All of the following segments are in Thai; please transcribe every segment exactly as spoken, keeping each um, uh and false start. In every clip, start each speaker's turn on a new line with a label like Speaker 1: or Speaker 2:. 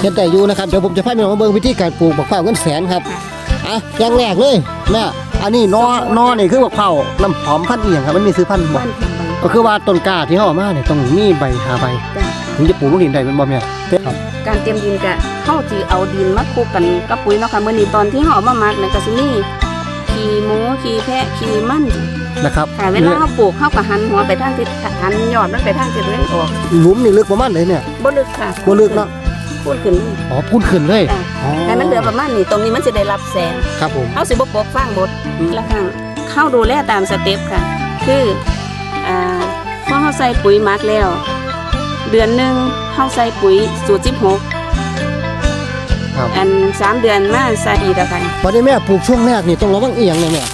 Speaker 1: ฮ็ดได้อยู่นะครับเดี๋ยวผมจะพาพี่น้องมาเบิ่งวิธีการปลูกบักเผาเงินแสนครับอ่ะอย่างแรกเลยแม่อันนี้นอนอนี่คือบักเผาน้ำหอมพันธุ์เอียงครับมันมีซื้อพันธุ์บ่ก็คือว่าต้นกล้าที่เฮาเอามาเนี่ยต้องมีใบหาใบถึงจะปลูกลงดินได้เป็นบ่แม่ครับ
Speaker 2: การเตรียมดินกะเฮาสิเอาดินมาคลุกกันกับปุ๋ยเนาะค่ะมื้อนี้ตอนที่เฮาเอามาหมักเนี่ยก็สิมีขี้หมูขี้แพะขี้มัน
Speaker 1: นะครับ
Speaker 2: ค่ะเวลาเฮาปลูกเฮาก็หันหัวไปทางทิศหันยอดมันไปทางทิศตะวันออก
Speaker 1: หลุมนี่ลึกประมาณไหนเนี่ย
Speaker 2: บ่ลึกค่ะ
Speaker 1: บ่ลึกเนาะ
Speaker 2: พูนขึ้น
Speaker 1: อ๋อพูนขึ้นเลย
Speaker 2: อ๋อแต่มันเหลือประมาณนี้ตรงนี้มันสิได้รับแสง
Speaker 1: ครับผม
Speaker 2: เฮาสิบ่ปกฟางหมดละครั้งเข้าดูแลตามสเต็ปค่ะคืออ่าพอเฮาใส่ปุ๋ยหมักแล้วเดือนนึงเฮาใส่ปุ๋ยสูตรสิบหกอันสามเดือนมาใส่อีกแล้วค่ะ
Speaker 1: ตอนนี้แม่ปลูกช่วงแรกนี่ต้องระวังเอียงเลยแม่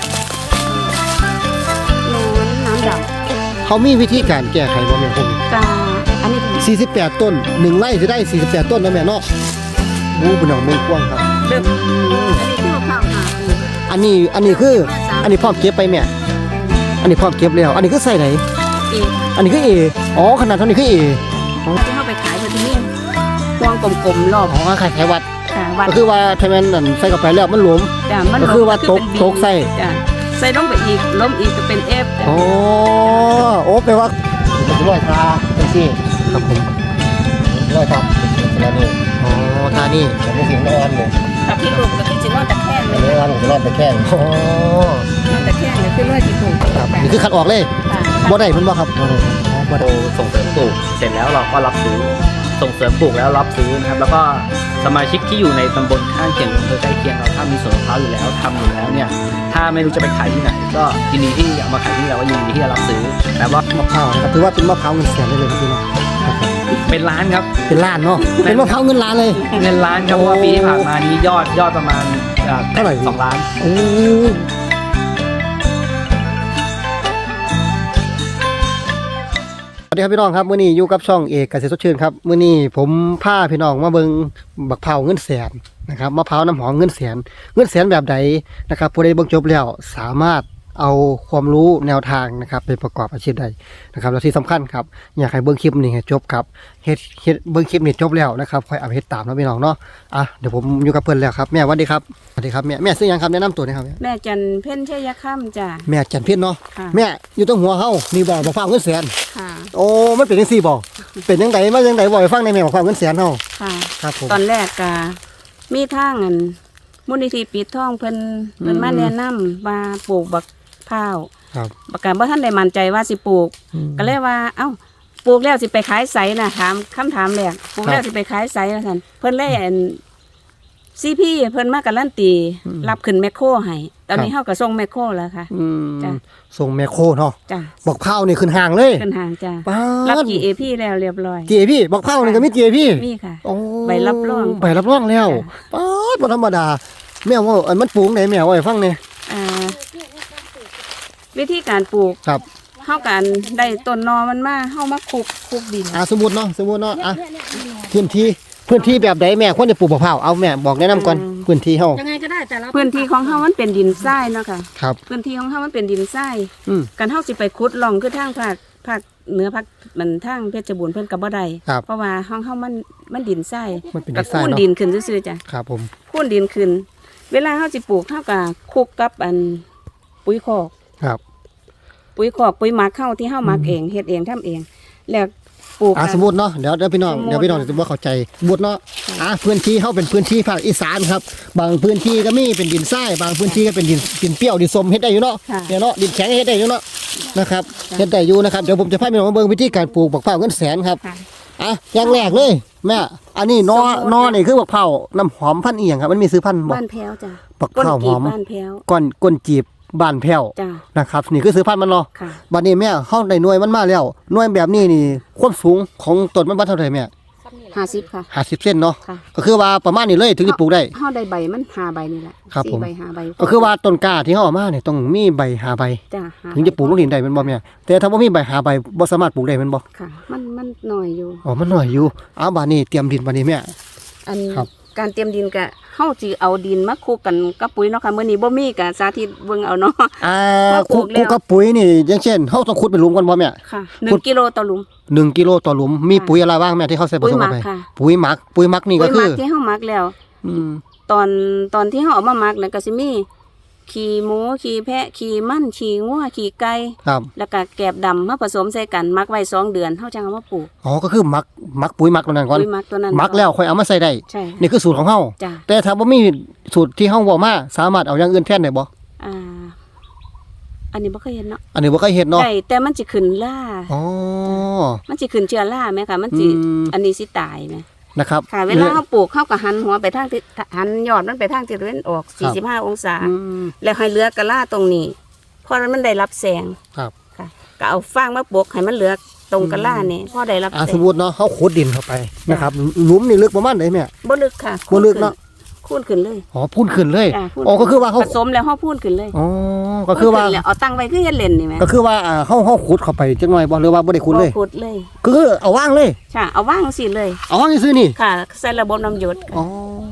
Speaker 2: น้ำด
Speaker 1: ำเขามีวิธีการแก้ไขบ่แม่ผม
Speaker 2: กาอันนี้
Speaker 1: สี่สิบแปดต้นหนึ่งไร่จะได้สี่สิบแปดต้นนะแม่เนาะบูเป็นหนองเมืองกว้างครับ
Speaker 2: เริ่มอันนี้คือข้าวหา
Speaker 1: อันนี้อันนี้คืออันนี้พร้อมเก็บไปแม่อันนี้พร้อมเก็บแล้วอันนี้คือใส่ไหน
Speaker 2: เอ
Speaker 1: อันนี้คือเออ๋อขนาดเท่านี้คือเอ
Speaker 2: ที่เข้าไปขายที่นี่พวงกลมๆรอบ
Speaker 1: อ๋อขายขายวัด
Speaker 2: วัด
Speaker 1: ก็คือว่าถ้ามันนั่นใส่เข้าไปแล้วมันหลวมก็คือว่าตกตกใส่
Speaker 2: ใส่ลงไปอีกล้มอีกจะเป็นเอฟ
Speaker 1: โอ้โอ้แปลว่าร้อยทาเป็นซี่ครับผมร้อยทับแล้วนี่อ๋อทานี่ผมไม่ถึงไม่อันเลย
Speaker 2: กับที่ปลูกกับที่จินอนตะแคงเลย
Speaker 1: ไม่อันผมจะรอดตะแคงอ๋
Speaker 2: อนอนตะแคงเลยคือร้อยที่ปลูก
Speaker 1: ครับนี่คือคัดออกเลยบ่ได้มันบ่ครับบ่ได้
Speaker 3: บ่ได้ส่งเสริมปลูกเสร็จแล้วเราก็รับซื้อส่งเสริมปลูกแล้วรับซื้อนะครับแล้วก็สมาชิกที่อยู่ในตำบลข้างเคียงอำเภอใกล้เคียงเราถ้ามีสวนมะพร้าวอยู่แล้วทำอยู่แล้วเนี่ยถ้าไม่รู้จะไปขายที่ไหนก็ยินดีที่เอามาขายที่เราก็ยินดีที่จะรับซื้อแต่ว่ามะ
Speaker 1: พร้าวนะครับถือว่าเป็นมะพร้าวเงินแสนได้เลยพี่น้อง
Speaker 3: เป็นล้านครับ
Speaker 1: เป็นล้านเนาะเป็นมะพร้าวเงินล้านเลย
Speaker 3: เงินล้านครับเพราะว่าปีที่ผ่านมานี้ยอดยอดประมาณเท่าไหร่สองล้าน
Speaker 1: โอ้สวัสดีครับพี่น้องครับมื้อนี้อยู่กับช่องเอกเกษตรสดชื่นครับมื้อนี้ผมพาพี่น้องมาเบิ่งบักเผาเงินแสนนะครับมะพร้าวน้ำหอมเงินแสนเงินแสนแบบใดนะครับผู้ใดเบิ่งจบแล้วสามารถเอาความรู้แนวทางนะครับไปประกอบอาชีพใดนะครับและที่สำคัญครับอยากให้เบิ่งคลิปนี้ให้จบครับเฮ็ดเฮ็ดเบิ่งคลิปนี้จบแล้วนะครับค่อยเอาไปเฮ็ดตามนะพี่น้องเนาะอ่ะเดี๋ยวผมอยู่กับเพิ่นแล้วครับแม่สวัสดีครับสวัสดีครับแม่แม่ซื้อหยังครับแนะนำตัวหน่อยครับ
Speaker 2: แม่จันเพ็ญชัยค่ำจ้ะ
Speaker 1: แม่จันเพ็ญเนาะแม่อยู่ตรงหัวเฮานี่บ่บักเผาเงินแสน
Speaker 2: ค่ะ
Speaker 1: โอ้มันเป็นจังซี่บ่เป็นจังไดมาจังไดบ่ให้ฟังในแม่บักเผาเงินแสนเฮา
Speaker 2: ค่ะ
Speaker 1: ครับผม
Speaker 2: ตอนแรกก็มีทางอันมูลนิธิปิดทองเพิ่นเพิ่นมาแนะนำว่าปลูกบักเผา
Speaker 1: ครับ
Speaker 2: บักการบ่ทันได้มั่นใจว่าสิปลูกก็เลยว่าเอ้าปลูกแล้วสิไปขายไสน่ะถามคำถามแรกปลูกแล้วสิไปขายไสว่าซั่นเพิ่นเลยอันซีพีเพิ่นมาการันตีรับขึ้นแมคโครให้ตอนนี้เฮาก็ส่งแมคโครแล้วค่ะ
Speaker 1: จ้ะส่งแมคโครเนาะ
Speaker 2: จ้ะ
Speaker 1: บักเผานี่ขึ้นห้างเลย
Speaker 2: ขึ้นห้างจ้ะรับ จี เอ พี แล้วเรียบร้อย
Speaker 1: จี เอ พี บักเผานี่ก็มี จี เอ พี
Speaker 2: มีค่ะโอ้ใบรับรอง
Speaker 1: ใบรับรองแล้วป๊าดบ่ธรรมดาแม่ว่าอันมันปลูกได้แม่ว่าให้ฟังแน่
Speaker 2: อ่าวิธีการปลูก
Speaker 1: ครับ
Speaker 2: เฮากันได้ต้นนอมันมาเฮามาคลุกคลุกดิน
Speaker 1: อ่าสมมุติเนาะสมมุติเนาะอ่ะพื้นที่พื้นที่แบบใดแม่ควรจะปลูกบักเผาเอาแม่บอกแนะนำก่อนพื้นที่เฮา
Speaker 2: ยังไงก็ได้แต่ละพื้นที่ของเฮามันเป็นดินทรายเนาะค่ะ
Speaker 1: ครับ
Speaker 2: พื้นที่ของเฮามันเป็นดินทรายอือกันเฮาสิไปขุดร่องคือทางภาคภาคเหนือภาคมันทางเพชรบูรณ์เพิ่นก็บ่ได้เพราะว่าห้องเฮามันมันดินทรายก็คูนดินขึ้นซื่อๆจ้ะ
Speaker 1: ครับผม
Speaker 2: คูนดินขึ้นเวลาเฮาสิปลูกเฮาก็คลุกกับอันปุ๋ยคอก
Speaker 1: ครับ
Speaker 2: ปุ๋ยคอกปุ๋ยหมักเข้าที่เฮาหมักเองเฮ็ดเองทำเองแล้วปลูก
Speaker 1: อ่าสมมุติเนาะเดี๋ยวเดี๋ยวพี่น้องเดี๋ยวพี่น้องจะบ่เข้าใจสมมุติเนาะอ่าพื้นที่เฮาเป็นพื้นที่ภาคอีสานครับบางพื้นที่ก็มีเป็นดินทรายบางพื้นที่ก็เป็นดินดินเปรี้ยวดินส้มเฮ็ดได้อยู่เนาะเนี่ยเนาะดินแข็งเฮ็ดได้อยู่เนาะนะครับเฮ็ดได้อยู่นะครับเดี๋ยวผมจะพาพี่น้องมาเบิ่งวิธีการปลูกบักเผาเงินแสนครับอ่ะอย่างแรกเลยแม่อันนี้นอนอนี่คือบักเผาน้ำหอมพันธุ์เอียงครับมันมีซื้อพันธุ์บ่
Speaker 2: บ้านแพ้วจ้ะ
Speaker 1: บักเผาหอม
Speaker 2: บ้านแพ้ว
Speaker 1: ก้อนก้นจีบบ้านแพ้วนะครับนี่คือซื้อพันธุ์มันเนาะบัดนี้แม่เฮาได้หน่วยมันมาแล้วหน่วยแบบนี้นี่ความสูงของต้นมันบ่เท่าไหร่แม่
Speaker 2: ห้าสิบค่ะ
Speaker 1: ห้าสิบเซนเนาะก็คือว่าประมาณนี้เลยถึงจะปลูกได้
Speaker 2: เฮาได้ใบมันห้าใบนี่แหละสี่ใบห้าใบ
Speaker 1: ก็คือว่าต้นกล้าที่เฮาเอามาเนี่ยต้องมีใบห้าใบถึงจะปลูกลงดินได้แม่นบ่แม่แต่ถ้าบ่มีใบห้าใบบ่สามารถปลูกได้แม่นบ่
Speaker 2: ค่ะมันมันน้อยอยู่
Speaker 1: อ๋อมันน้อยอยู่อ้าวบัดนี้เตรียมดินบัดนี้แม่
Speaker 2: อันการเตรียมดินก็เฮเฮาสิเอาดินมาคลุกกันกับปุ๋ยเนาะค่ะมื้อนี้บ่มีก็สาธิตเบิ่งเอาเนาะ
Speaker 1: อ่า
Speaker 2: มาปลู
Speaker 1: คุ
Speaker 2: ก
Speaker 1: ก
Speaker 2: แล้ว
Speaker 1: กับปุ๋ยนี่อย่างเช่นเฮาต้องขุดเป็นหลุมก่อนบ่แม่
Speaker 2: ค่ะหนึ่งกิโลต่อหลุม
Speaker 1: หนึ่งกิโลต่อหลุมมี
Speaker 2: ค่ะ
Speaker 1: ปุ๋ยอะไรบ้างแม่ที่เขาใส่ผ
Speaker 2: ปุ๋ย
Speaker 1: สม
Speaker 2: หมั
Speaker 1: เข้าก ไป
Speaker 2: ค่ะ
Speaker 1: ปุ๋ยหมักปุ๋ยหมักนี่ก็
Speaker 2: ปุ๋ยห
Speaker 1: คื
Speaker 2: มั
Speaker 1: อก
Speaker 2: ที่เฮาหมักแล้ว
Speaker 1: อืม
Speaker 2: ตอนตอนที่เฮาเอามาหมักนั่นก็สิมีขี้หมูขี้แพะขี้มันขี้งัวขี้ไก่
Speaker 1: ครับ
Speaker 2: แล้วก็แกบดำมาผสมใส่กันหมักไว้สองเดือนเฮาจังเอามาปลูก
Speaker 1: อ๋อก็คือหมักหมักปุ๋ยหมักตัวนั้นก่อน
Speaker 2: ปุ๋ยหมักตัวนั้น
Speaker 1: หมักแล้วค่อยเอามาใส่ได้
Speaker 2: ใช่
Speaker 1: นี่คือสูตรของเฮา
Speaker 2: จ้ะ
Speaker 1: แต่ถ้าบ่มีสูตรที่เฮาเว้ามาสามารถเอาอย่างอื่นแทนได้บ่
Speaker 2: อ่าอันนี้บ่เคยเห็นเนาะ
Speaker 1: อันนี้บ่เคยเฮ็ดเนาะ
Speaker 2: ได้แต่มันสิขึ้นล่า
Speaker 1: อ๋อ
Speaker 2: มันสิขึ้นเชื้อราไหมคะมันสิ
Speaker 1: อืม
Speaker 2: อันนี้สิตายไหม
Speaker 1: นะครับ
Speaker 2: ค่ะ เวลาเขาปลูกเขาก็หันหัวไปทางทิศหันยอดมันไปทางทิศตะวันออก
Speaker 1: ครับ
Speaker 2: สี่สิบห้า องศา
Speaker 1: อืม
Speaker 2: แล้วให้เหลือกะล่าตรงนี้ เพราะมันได้รับแสง
Speaker 1: ครับ
Speaker 2: ค่ะ ก็เอาฟางมาปลูกให้มันเหลือตรงกะล่านี่พอได้รับ
Speaker 1: อ่า
Speaker 2: แส
Speaker 1: สม
Speaker 2: ง
Speaker 1: มุติเนาะเฮาขุดดินเข้าไปนะครับหลุมนี่ลึกประมาณไหนแม่
Speaker 2: บ่ลึกค่ะ
Speaker 1: บ่ลึกเนาะ
Speaker 2: คูนขึ้นเลย
Speaker 1: อ๋อพูนขึ้นเลย
Speaker 2: จ้ะพูน
Speaker 1: อ๋อก็คือว่าเฮา
Speaker 2: ผสมแล้วเขาพูนขึ้นเลย
Speaker 1: อ๋อก็คือว่า
Speaker 2: พูนขึ้นแล้วเอาตั้งไว้คือเฮ็ดเล่นนี่แหม
Speaker 1: ก็คือว่าอ่าเฮาเฮาขุดเข้าไปจังหน่อยบ่หรือว่าบ่ได้ขุดเลย
Speaker 2: บ่ขุดเลย
Speaker 1: ก็คือเอาว่างเลย
Speaker 2: ค่ะเอาว่างสิเลย
Speaker 1: เอาว่างซื่อๆนี่
Speaker 2: ค่ะใส่ระบบน้ำหยด
Speaker 1: อ๋อ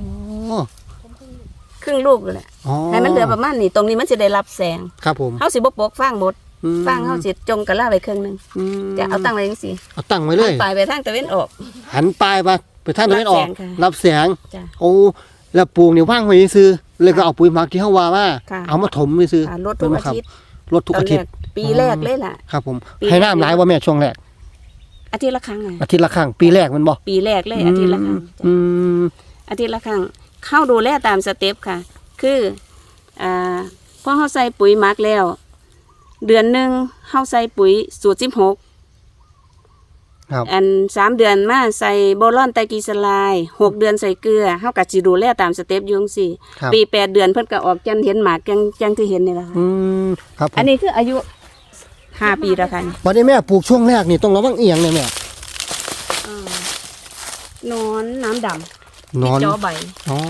Speaker 2: ครึ่งลูกเลยแหละ
Speaker 1: อ๋อ
Speaker 2: ให้มันเหลือประมาณนี้ตรงนี้มันสิได้รับแสง
Speaker 1: ครับผม
Speaker 2: เฮาสิบ่ปลูกฟางหมด
Speaker 1: อืม
Speaker 2: ฟางเฮาสิจงกะล่าไว้ครึ่งหนึง
Speaker 1: อืม
Speaker 2: จะเอาตั้งไว้จังซี่
Speaker 1: เอาตั้งไว้เลย
Speaker 2: ปลายไปทางตะวันออก
Speaker 1: หันปลายไปไปทางตะวันออก
Speaker 2: รั
Speaker 1: รั
Speaker 2: บบ แส
Speaker 1: แสง
Speaker 2: จ้ะ
Speaker 1: โอ้แล้วปลูกนี่ว่างไว้ซื่อแล้วก็เอาปุ๋ยหมักที่เฮาว่ามา
Speaker 2: ค่ะ
Speaker 1: เอามาถมไว้ซื่อ
Speaker 2: อ่าลดทุกอาทิตย์
Speaker 1: ลดทุกอาทิตย์
Speaker 2: ตนแรปีแรกเลยล่ะ
Speaker 1: ครับผม
Speaker 2: ปี
Speaker 1: ให้น้ำหลายว่าแม่ช่วงแรก
Speaker 2: อาทิตย์ละครั้งไง
Speaker 1: อาทิตย์ละครั้งปีแรกมันบ่
Speaker 2: ปีแรกเลยอาทิตย์ละครั้งจ้ะ
Speaker 1: อืม
Speaker 2: อาทิตย์ละครั้งเข้าดูแลตามสเต็ปค่ะ คืออ่าพอเฮาใส่ปุ๋ยหมักแล้ว เดือนหนึงเฮาใส่ปุ๋ยสูตรสิบหก
Speaker 1: ครับ
Speaker 2: อันสามเดือนมาใส่โบรอนไตรกลีเซอไรด์หกเดือนใส่เกลือเฮาก็สิดูแลตามสเต็ปอยู่จังซี่
Speaker 1: ครับ
Speaker 2: ปีแปดเดือนเพิ่นก็ออกจันเห็นหมากจังจังที่เห็นนี่แหละค่ะ
Speaker 1: อืมครับผม
Speaker 2: อันนี้คืออายุห้าปีแล้วค่ะ
Speaker 1: วันนี้แม่ปลูกช่วงแรกนี่ต้องระวังเอียงเนี่ยแม่
Speaker 2: นอนน้ำดำ
Speaker 1: นอน
Speaker 2: ติดจอใบ
Speaker 1: อ๋อน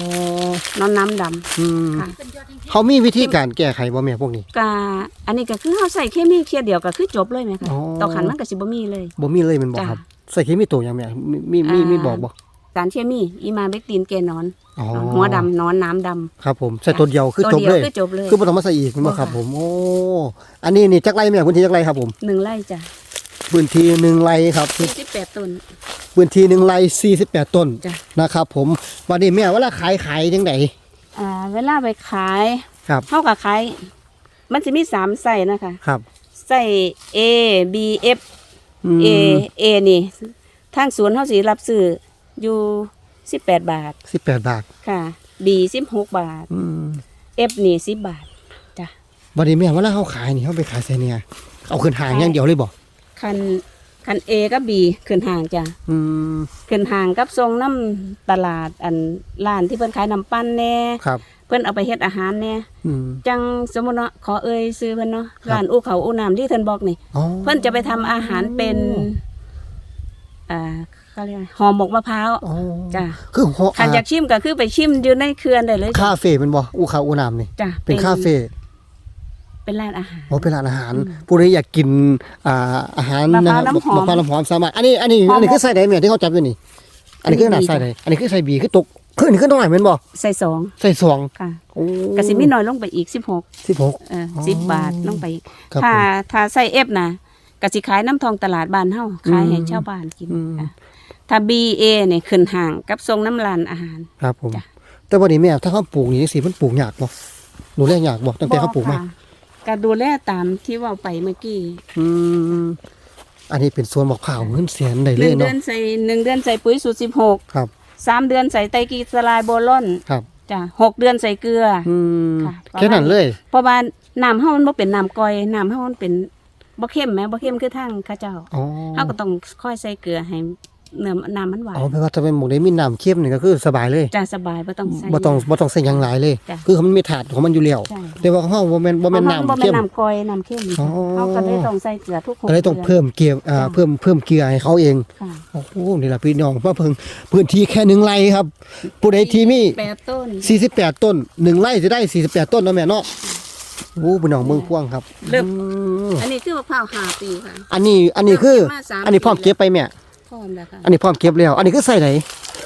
Speaker 2: อนน้ำดำ
Speaker 1: อืม
Speaker 2: ค่ะ
Speaker 1: เขามีวิธีการแก้ไขบ่แม่พวกนี้
Speaker 2: กะอันนี้ก็คือเฮาใส่เคมีเทียเดียวก็คือจบเลยไหมคะ
Speaker 1: อ๋อ
Speaker 2: ต่อขันมันก็สิบ่มีเลย
Speaker 1: บ่มีเลยแมันบ่
Speaker 2: จ้ะ
Speaker 1: ครับใส่เคมีตัวหยังแม่มีมีมี
Speaker 2: อ่ามี
Speaker 1: มีบอกบ่
Speaker 2: สารเคมีอีมาเบกตีนแกนอน
Speaker 1: อ๋อ
Speaker 2: หัวดำนอนน้ำดำ
Speaker 1: ครับผมใส่ตัวเดียวคือ
Speaker 2: ตัว
Speaker 1: จบ
Speaker 2: เดียว
Speaker 1: เลย
Speaker 2: คือจบเลย
Speaker 1: คือบ่ต้องมาใส่อีกแม่นบ่
Speaker 2: บ่
Speaker 1: ครับ
Speaker 2: ค่ะ
Speaker 1: ผมโอ้อันนี้นี่จักไรแม่พื้นที่จักไรครับผม
Speaker 2: หนึ่งไร่จ้ะ
Speaker 1: พื้นที่หนึ่งไร่ครับ
Speaker 2: สี่สิบแปดต้น
Speaker 1: พื้นที่หนึ่งไร่สี่สิบแปดต้น
Speaker 2: จ้ะ
Speaker 1: นะครับผมวันนี้แม่เวลาขายขายจังได
Speaker 2: อ่าเวลาไปขาย
Speaker 1: ครับ
Speaker 2: เฮาก็ขายมันจะมีสามไส้นะคะ
Speaker 1: ครับ
Speaker 2: ไส้ A B F
Speaker 1: ม
Speaker 2: A A นี่ทางสวนเฮาสิรับซื้ออยู่สิบแปดบาท
Speaker 1: สิบแปดบาท
Speaker 2: ค่ะ B สิบหกบาท
Speaker 1: อืม
Speaker 2: F นี่สิบบาทจ้ะ
Speaker 1: วันนี้แม่เวลาเขาขายนี่เขาไปขายไสเนี่ยเอาขึ้นหางอย่างเดียวเลยบ่
Speaker 2: คันคัน A กับ B ขึ้นห่างจ้ะ
Speaker 1: อืม
Speaker 2: ขึ้นห่างกับทรงน้ำตลาดอันร้านที่เพิ่นขายน้ำปั้นแน่
Speaker 1: ครับ
Speaker 2: เพิ่นเอาไปเฮ็ดอาหารแน่
Speaker 1: อืม
Speaker 2: จังสมมุติเนาะขอเอ่ยซื้อเพิ่นเนาะ
Speaker 1: ครับ
Speaker 2: ร้านอู้เขาอู้น้ำที่เพิ่นบอกนี่
Speaker 1: อ๋อ
Speaker 2: เพิ่นจะไปทำอาหารเป็นอ่าเขาเรียกอะไรห่อหมกมะพร้าว
Speaker 1: อ๋อ
Speaker 2: จ้ะ
Speaker 1: คือหัว
Speaker 2: คันอยากชิมก็คือไปชิมอยู่ในเขื่อนได้เลยจ้ะ
Speaker 1: คาเฟ่เป็นบ่อูคาอูนามนี่
Speaker 2: จ้ะ
Speaker 1: เป็นคาเฟ่
Speaker 2: เป็นร้านอาหาร
Speaker 1: อ๋อเป็นร้านอาหาร
Speaker 2: อืม
Speaker 1: ผู้ใดอยากกินอ่าอาหาร
Speaker 2: มะพร้าว
Speaker 1: นะครับ
Speaker 2: น้ำหอม
Speaker 1: มะพร้าวน้ำหอมสามารถอันนี้อันนี้
Speaker 2: หอม
Speaker 1: อันนี้คือไส้ใดแม่ที่เขาจับอยู่นี่ อันนี้คือขนาด
Speaker 2: อันนี้
Speaker 1: ไส้ใดอันนี้คือไส้บีคือตกคืออันนี้คือน้อยแม่นบ่
Speaker 2: ใส่สอง
Speaker 1: ไส้สอง
Speaker 2: ค่ะ
Speaker 1: โอ้
Speaker 2: ก็สิมีน้อยลงไปอีกสิบหก
Speaker 1: สิบหก
Speaker 2: เออ
Speaker 1: อ๋อ
Speaker 2: สิบบาทลงไปอีก
Speaker 1: ครับ
Speaker 2: ถ้า
Speaker 1: ผม
Speaker 2: ถ้าใส่เอฟนะก็สิขายน้ำทองตลาดบ้านเฮาขายให้
Speaker 1: อืม
Speaker 2: ชาวบ้านกิน
Speaker 1: อืม
Speaker 2: ค่ะถ้า บี เอ เนี่ยขึ้นห่างกับทรงน้ำลานอาหาร
Speaker 1: ครับผม
Speaker 2: จ้ะ
Speaker 1: แต่วันนี้แม่ถ้าเขาปลูกนี่สิมันปลูกยากบ่ดูแลยากบ่ตั้งแต่เขาปลูกมา
Speaker 2: ค่ะก็ดูแลตามที่เว่าไปเมื่อกี้
Speaker 1: อืมอันนี้เป็นสวนมะพร้าวเงินแสนได้
Speaker 2: ห
Speaker 1: เล
Speaker 2: นึ่
Speaker 1: ย
Speaker 2: งเดื
Speaker 1: เนาะ
Speaker 2: อนใส่หนึ่งเดือนใส่ปุ๋ยสูตรสิบหก
Speaker 1: ครับ
Speaker 2: สามเดือนใส่ไตรกลีเซอไรด์โบรอน
Speaker 1: ครับ
Speaker 2: จ้ะหกเดือนใส่เกลืออ
Speaker 1: อืม
Speaker 2: ค่ะ
Speaker 1: แค่นั้นเลย
Speaker 2: เพราะว่าน้ำเฮามันบ่เป็นน้ำกร่อยน้ำเฮามันเป็นบ่เข้มแหมบ่เข้มคือทางเข้าเจ้า
Speaker 1: อ๋อ
Speaker 2: เฮาก็ต้องค่อยใส่เกลือให้เนื้อน้ำมันหวาน
Speaker 1: อ๋อแปลว่าถ้าเป็นหมูได้มีน้ำเค็มนี่ก็คือสบายเลย
Speaker 2: จ้ะสบายบ่ต้องใส่
Speaker 1: บ่ต้องบ่ต้องใส่หยังหลายเลย
Speaker 2: จ้ะ
Speaker 1: คือมันมีถาดของมันอยู่แล้ว
Speaker 2: ใช่
Speaker 1: แต่ว่าของเฮาบ่แม่นบ่แม่น
Speaker 2: เพราะ
Speaker 1: น้ำ
Speaker 2: บ่
Speaker 1: เค็
Speaker 2: แม่น
Speaker 1: ม
Speaker 2: น้ำกร่อยน้ำเข้ม
Speaker 1: อ๋อ
Speaker 2: เฮาก็เลยต้องใส่เกลือทุกหก
Speaker 1: ก็เลยต้อง
Speaker 2: ดืน
Speaker 1: เพิ่มเกลืออ่า
Speaker 2: จ้ะ
Speaker 1: เพิ่มเพิ่มเกลือให้เขาเอง
Speaker 2: ค่ะ
Speaker 1: โอ้โหนี่ล่ะพี่น้องว่าเพิ่งพื้นที่แค่หนึ่งไร่ครับผู้ใดที่มี
Speaker 2: แปดต้น
Speaker 1: สี่สิบแปดต้นหนึ่งไร่จะได้สี่สิบแปดต้นเนาะแม่เนาะโอ้พี่น้องเมืองพวงครับ
Speaker 2: เริ่ม
Speaker 1: อืม
Speaker 2: อันนี้คือมะพร้าวห้าปีค่ะ
Speaker 1: อันนี้อันนี้คือ
Speaker 2: มาสาม
Speaker 1: อันนี้พร้อมเก็บไปแม่
Speaker 2: พร้อมแล้วค่ะ
Speaker 1: อันนี้พร้อมเก็บแล้ว อันนี้คือใส่ไหน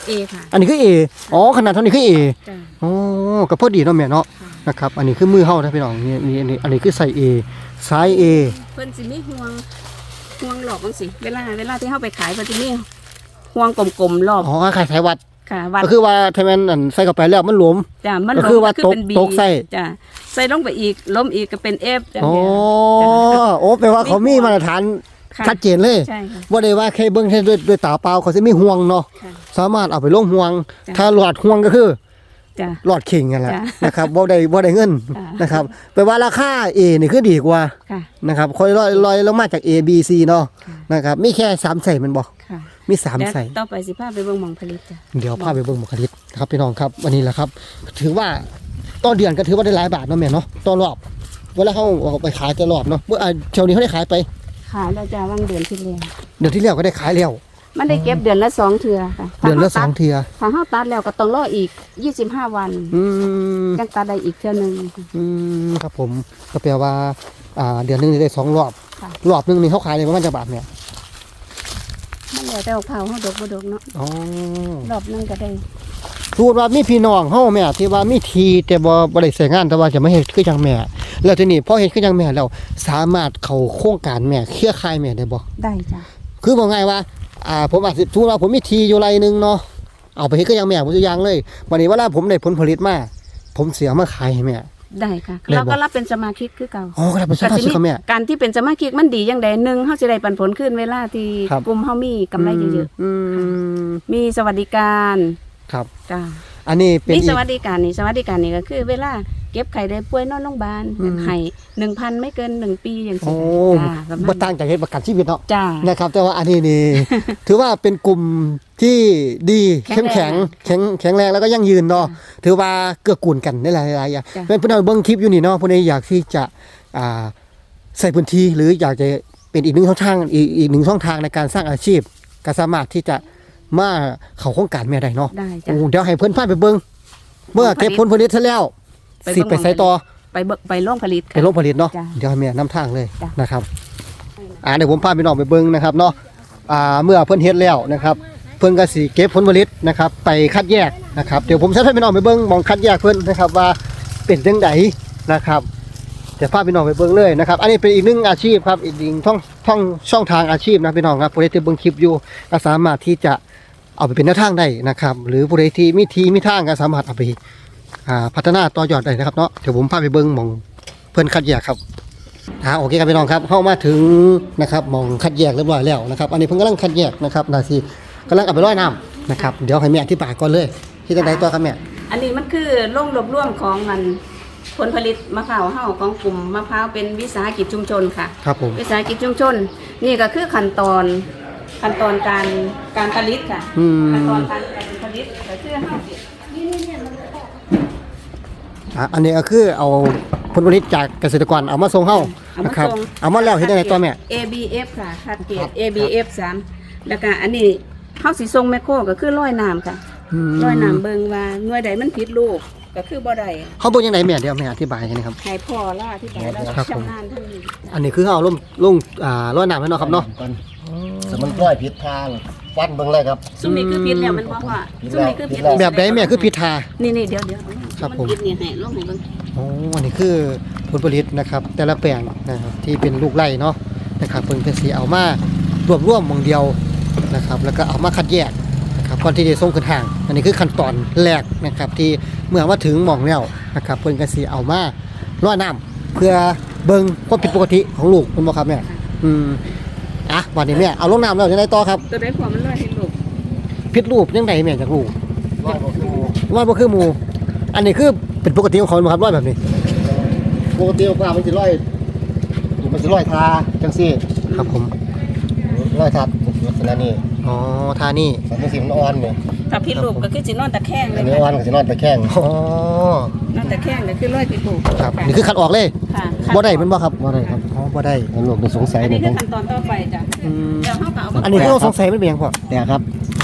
Speaker 2: เอค่ะ
Speaker 1: อันนี้คือ A อ๋อขนาดเท่านี้คือ A
Speaker 2: จ้ะ
Speaker 1: อ๋อก็พอดีเนาะแม่เนาะ
Speaker 2: ค่ะ
Speaker 1: นะครับ อันนี้คือมือเฮานะพี่น้องนี่นี่อันนี้อันนี้คือใส่ A ซ้าย A
Speaker 2: เพิ่นสิมีห่วงห่วงหลอกจังสิเวลาเวลาที่เฮาไปขายเพิ่นสิมีห่วงกลมๆรอบ
Speaker 1: อ๋อขายสายวัด
Speaker 2: ค่ะวัด
Speaker 1: ก็คือว่าถ้ามันอันใส่เข้าไปแล้วมันหลวม
Speaker 2: จ้ะมัน
Speaker 1: ก็คือว่า
Speaker 2: ล้มเป็น B
Speaker 1: ตกใส่
Speaker 2: จ้ะใส่ลงไปอีกล้มอีกก็เป็น F จ้ะ
Speaker 1: อ๋อ
Speaker 2: จ้ะ
Speaker 1: โอ้แปลว่าเขามีมาตรฐาน
Speaker 2: ค่ะ
Speaker 1: ชัดเจนเลย
Speaker 2: ใช่ค่ะ
Speaker 1: ว่าได้ว่าแค่เบิ่งแค่ด้วยด้วยตาเปล่าเขาสิมีห่วงเนาะ
Speaker 2: ค่ะ
Speaker 1: สามารถเอาไปลงห่วง
Speaker 2: จ้ะ
Speaker 1: ถ้าหลอดห่วงก็คือ
Speaker 2: จ้ะ
Speaker 1: หลอดเข่งนั่นแหละ
Speaker 2: จ้ะ
Speaker 1: นะครับบ่ได้บ่ได้เงิน
Speaker 2: จ้ะ
Speaker 1: นะครับแปลว่าราคา A นี่คือดีกว่า
Speaker 2: ค่ะ
Speaker 1: นะครับค่อยลอยลอยลงมาจาก A B C เนาะ
Speaker 2: ค่ะ
Speaker 1: นะครับมีแค่สามใส่มันบ่
Speaker 2: ค่ะ
Speaker 1: มีสาม
Speaker 2: แล้ว
Speaker 1: ใส่
Speaker 2: ต่อไปสิพาไปเบิ่งหม่องผลิตจ้ะ
Speaker 1: เดี๋ยวพาไปเบิ่งบุคลิกครับพี่น้องครับวันนี้แหละครับ ถือว่าต่อเดือนก็ถือว่าได้หลายบาทเนาะแม่เนาะต่อรอบเวลาเขาเอาไปขายแต่รอบเนาะเมื่ออ่าเช้านี้เขาได้ขายไป
Speaker 2: ขายแล้วจ้ะวางเดือนที่แล้ว
Speaker 1: เดือนที่แล้วก็ได้ขายแล้ว
Speaker 2: มันได้เก็บเดือนละสองเทื่อค่ะ
Speaker 1: เดือนละสองเทีย
Speaker 2: ถ้าเฮาตัดแล้วก็ต้องรออีกยี่สิบห้าวัน
Speaker 1: อืม
Speaker 2: ยังตัดได้อีกเทื่อหนึง
Speaker 1: อืมครับผมก็แปลว่าอ่าเดือนหนึงนี่ได้สองรอบ
Speaker 2: ค่ะ
Speaker 1: รอบหนึงนี่เขาขายได้ประมาณจักบาทเนี่ย
Speaker 2: มันแล้วแต่ว่าเผาเฮาดอกบ่ดอกเนาะ
Speaker 1: อ๋อ
Speaker 2: รอบหนึงก็ได้
Speaker 1: สมมุติว่ามีพี่น้องเฮาแม่ที่ว่ามีทีแต่บ่บ่ได้ใช้งานแต่ว่าจะมาเฮ็ดคือจังแม่ แล้วทีนี้พอเฮ็ดคือจังแม่แล้วสามารถเข้าโครงการแม่เครือข่ายแม่ได้บ่
Speaker 2: ได้จ้ะ
Speaker 1: คือบอกง่ายว่า อ่า ผมอาจสิสมมุติว่าผมมีทีอยู่ไรหนึงเนาะ เอาไปเฮ็ดก็ยังแม่ผมจะยังเลยวันนี้เวลาผมได้ผลผลิตมา ผมเสียมาขายให้แม่
Speaker 2: ได้ค่ะ
Speaker 1: ได้บ่
Speaker 2: เราก็รับเป็นสมาชิกคือเก่า
Speaker 1: อ๋อก็ได้เป็นสมาชิกกับแม่
Speaker 2: การที่เป็นสมาชิกมันดีอย่างใดหนึ่งเฮาสิได้ปันผลขึ้นเวลาที่
Speaker 1: ครับ
Speaker 2: กลุ่มเฮามีกำไรเยอะ
Speaker 1: อืม
Speaker 2: ๆมีสวัสดิการ
Speaker 1: ครับ
Speaker 2: จ้ะ
Speaker 1: อันนี้เป็น
Speaker 2: มี
Speaker 1: อี
Speaker 2: ส
Speaker 1: ก
Speaker 2: วัสดิการนี่สวัสดิการนี่ก็คือเวลาเก็บไข่ได้ป่วยนอนโรงพยาบาล
Speaker 1: อืม
Speaker 2: ให้หนึ่งพันไม่เกินหนึ่งปีอย่าง
Speaker 1: โอ้
Speaker 2: ซี้จ้าประมาณ
Speaker 1: บ่ต่างจากเฮ็ดประกันชีวิตเนาะ
Speaker 2: จ้า
Speaker 1: นะครับ แต่ว่าอันนี้นี่ ถือว่าเป็นกลุ่มที่ดี
Speaker 2: แข็
Speaker 1: เข้ม
Speaker 2: งแรง
Speaker 1: แข็งแข็งแข็งแรงแล้วก็ยั่งยืนเนาะ ถือว่าเกื้อกูลกันในหลายๆอย่าง
Speaker 2: จ้ะ
Speaker 1: เป็นผู้นำเบิ่งคลิปอยู่นี่เนาะผู้ใดอยากที่จะอ่าใส่พื้นที่หรืออยากจะเป็นอีกหนึ่งช่องทางอีกอีกหนึ่งช่องทางในการสร้างอาชีพก็สามารถที่จะมาเข้าโครงการแม่ได้เนาะ
Speaker 2: ได้จ้ะ
Speaker 1: โอ้เดี๋ยวให้เพิ่นพาไปเบิ่งเมื่อเก็บผลผลิตเสร็จแล้ว
Speaker 2: ไปเบิ่ง
Speaker 1: สิไปใส่ต่อ
Speaker 2: ไปเบิกไปโรงผลิต
Speaker 1: ไปโรงผลิตเนาะ
Speaker 2: จ้ะ
Speaker 1: เดี๋ยวให้แม่นำทางเลย
Speaker 2: จ้ะ
Speaker 1: นะครับอ่าเดี๋ยวผมพาพี่น้องไปเบิ่งนะครับเนาะอ่าเมื่อเพิ่นเฮ็ดแล้วนะครับ เพิ่นก็สิเก็บผลผลิตนะครับ ไปคัดแยกนะครับ เดี๋ยวผมจะให้พี่น้องไปเบิ่งหมองคัดแยกเพิ่นนะครับว่าเป็นจังไดนะครับเดี๋ยวพาพี่น้องไปเบิ่งเลยนะครับ อันนี้เป็นอีกหนึ่งอาชีพครับอีกหนึ่งช่องช่องช่องทางอาชีพนะพี่น้องครับผู้ใดที่เบิ่งคลิปอยู่ก็สามารถที่จะเอาไปเป็นแนวทางได้นะครับ หรือผู้ใดที่มีทีมีทางก็สามารถเอาไปอ่าพัฒนาต่อยอดได้นะครับเนาะเดี๋ยวผมพาไปเบิ่งหมองเพิ่นคัดแยกครับ อ่าโอเคครับพี่น้องครับเข้ามาถึงนะครับหมองคัดแยกเรียบร้อยแล้วนะครับ อันนี้เพิ่งกำลังคัดแยกนะครับนาซีกำลังเอาไปร้อยน้ำนะครับเดี๋ยวให้แม่อธิบายก่อนเลยที่จะได้ตัวครับแม่
Speaker 2: อันนี้มันคือโรงรวบรวมของมันผลผลิตมะพร้าวเฮาของกลุ่มมะพร้าวเป็นวิสาหกิจชุมชนค่ะ
Speaker 1: ครับผม
Speaker 2: วิสาหกิจชุมชน นี่ก็คือขั้นตอนขั้นตอนการการผลิตค่ะ
Speaker 1: อืม
Speaker 2: ขั้นตอนการการผลิตก็คือเฮานี่นี่เนี่ยมัน
Speaker 1: อ่ะอันนี้ก็คือเอาผลผลิตจากเกษตรกรเอามาส่งเฮา
Speaker 2: เอามา
Speaker 1: นะครับ
Speaker 2: ส่ง
Speaker 1: เอามาแล้วเฮ็ดได้ไงตัวแม่
Speaker 2: เอ บี เอฟ ค่ะคัดเกรด เอ บี เอฟ สามแล้วก็อันนี้เฮาสิส่งแมคโครก็คือร้อยน้ำค่ะ
Speaker 1: อืม
Speaker 2: ร้อยน้ำเบิ่งว่าหน่วยใดมันผิดลูกก็คือบ่ได้
Speaker 1: เขาเบิ่งยังไงแม่เดี๋ยวแม่อธิบายกันนะครับ
Speaker 2: ให้พ่อล่าที่ไหนแล้ว
Speaker 1: ครับผม
Speaker 2: ชำนาญทั้งนี้
Speaker 1: อันนี้คือเอาลงลงอ่าร้อยน้ำให้เนาะครับเนาะ
Speaker 4: สมันร้อยผิดทางฟันเบิ่งเลยครับ
Speaker 2: ซุมนี้คือผิดแล้วมันบ่ว่าซุมนี้คือผิด
Speaker 4: ผิดแล้ว
Speaker 1: แบบใดแม่คือพิธา
Speaker 2: นี่นี่เดี๋ยวเดี๋ยว
Speaker 1: ครับผม
Speaker 2: นผิดนี่ให้ลงให้เบิ่ง
Speaker 1: โอ้อันนี้คือผลผลิตนะครับ แต่ละแปลงนะครับที่เป็นลูกไร่เนาะนะครับเพิ่นก็สิเอามารวบรวมหมองเดียวนะครับ แล้วก็เอามาคัดแยกนะครับก่อนที่จะส่งขึ้นห้าง อันนี้คือขั้นตอนแรกนะครับ ที่เมื่อมาถึงหม่องแล้วนะครับเพิ่นก็สิเอามาร้อยน้ำเพื่อเบิ่งความผิดปกติของลูกเพิ่นบ่ครับแม่อืมอ่ะวันนี้แม่เอาลงน้ำแล้วจังไดต่อครับ
Speaker 2: ตัวใดพอมันร้อยให้ลูก
Speaker 1: ผิดรูปจังไดแม่จากลูก
Speaker 4: ร้อยกว่าครู
Speaker 1: ร้อยบ่คือหมู่อันนี้คือเป็นปกติของเขาบ่ครับร้อยแบบนี้
Speaker 4: ปกติว่ามันสิร้อยมันสิร้อยทาจังซี่
Speaker 1: ครับผม
Speaker 4: ร้อยทัดลักษณะนี้
Speaker 1: อ๋อท่านี่
Speaker 4: สันนิษฐานมันอ่อนเนี่ย
Speaker 2: ถ้าผิดลูกก็คือสินอนตะแคงเล
Speaker 4: อั
Speaker 2: ย
Speaker 4: นนี้อ่อนก็สินอนตะแคง
Speaker 1: อ๋อน
Speaker 2: อนตะแคงก็คือร้อยผิดลูก
Speaker 1: ครับนี่คือคัดออกเลย
Speaker 2: ค่ะ
Speaker 1: บ่ได้แมันบ่ครับ
Speaker 4: บ่ได้ครับ
Speaker 1: อ๋อบ่ได้
Speaker 4: แล้วลูกนี่สงสัย
Speaker 2: อัน
Speaker 4: เนี่
Speaker 2: นี้
Speaker 4: ย
Speaker 2: คือขั้นตอนต่อไปจ้ะ
Speaker 1: อืม
Speaker 2: เดี๋ยวเฮาก็เอามา
Speaker 1: อันนี้คือเราสงสัยมันเป็นหยังพ่อ
Speaker 4: แต่ครับ
Speaker 1: อ๋อ